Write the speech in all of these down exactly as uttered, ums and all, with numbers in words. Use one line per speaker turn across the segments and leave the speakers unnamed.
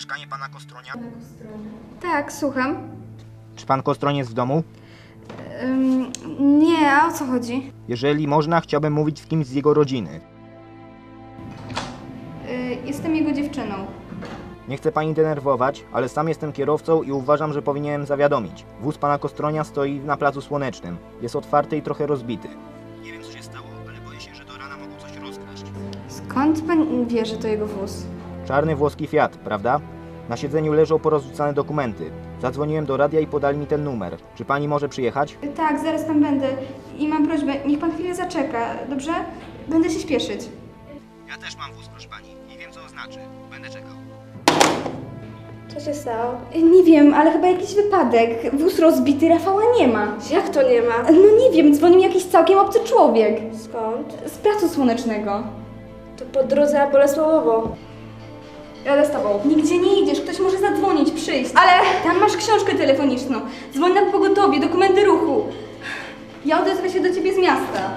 mieszkanie pana Kostronia?
Tak, słucham.
Czy pan Kostroń jest w domu?
Ym, nie, a o co chodzi?
Jeżeli można, chciałbym mówić z kimś z jego rodziny.
Yy, jestem jego dziewczyną.
Nie chcę pani denerwować, ale sam jestem kierowcą i uważam, że powinienem zawiadomić. Wóz pana Kostronia stoi na placu Słonecznym. Jest otwarty i trochę rozbity. Nie wiem, co się stało, ale boję się, że do rana mogą coś rozkraść.
Skąd pan wie, że to jego wóz?
Czarny włoski Fiat, prawda? Na siedzeniu leżą porozrzucane dokumenty. Zadzwoniłem do radia i podali mi ten numer. Czy pani może przyjechać?
Yy, tak, zaraz tam będę. I mam prośbę, niech pan chwilę zaczeka, dobrze? Będę się śpieszyć.
Ja też mam wóz, proszę pani. I wiem, co to znaczy. Będę czekał.
Co się stało?
Yy, nie wiem, ale chyba jakiś wypadek. Wóz rozbity, Rafała nie ma.
Jak to nie ma?
No nie wiem, dzwonił jakiś całkiem obcy człowiek.
Skąd?
Z placu Słonecznego.
To po drodze na Bolesławowo.
Jadę z tobą. Nigdzie nie idziesz, ktoś może zadzwonić, przyjść. Ale tam masz książkę telefoniczną. Dzwoń na pogotowie, dokumenty ruchu. Ja odezwę się do ciebie z miasta.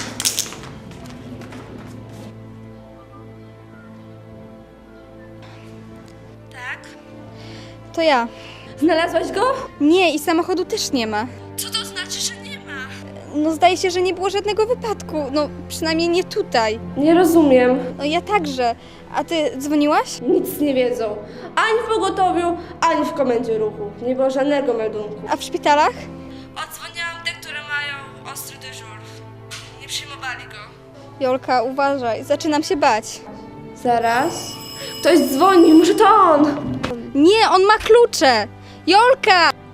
Tak?
To ja.
Znalazłaś go?
Nie, i samochodu też nie ma.
Co to znaczy, że nie ma?
No zdaje się, że nie było żadnego wypadku. No przynajmniej nie tutaj.
Nie rozumiem.
No ja także. A ty dzwoniłaś?
Nic nie wiedzą. Ani w pogotowiu, ani w komendzie ruchu. Nie było żadnego meldunku.
A w szpitalach?
Odzwoniłam te, które mają ostry dyżur. Nie przyjmowali go.
Jolka, uważaj, zaczynam się bać.
Zaraz. Ktoś dzwoni, może to on.
Nie, on ma klucze! Jolka!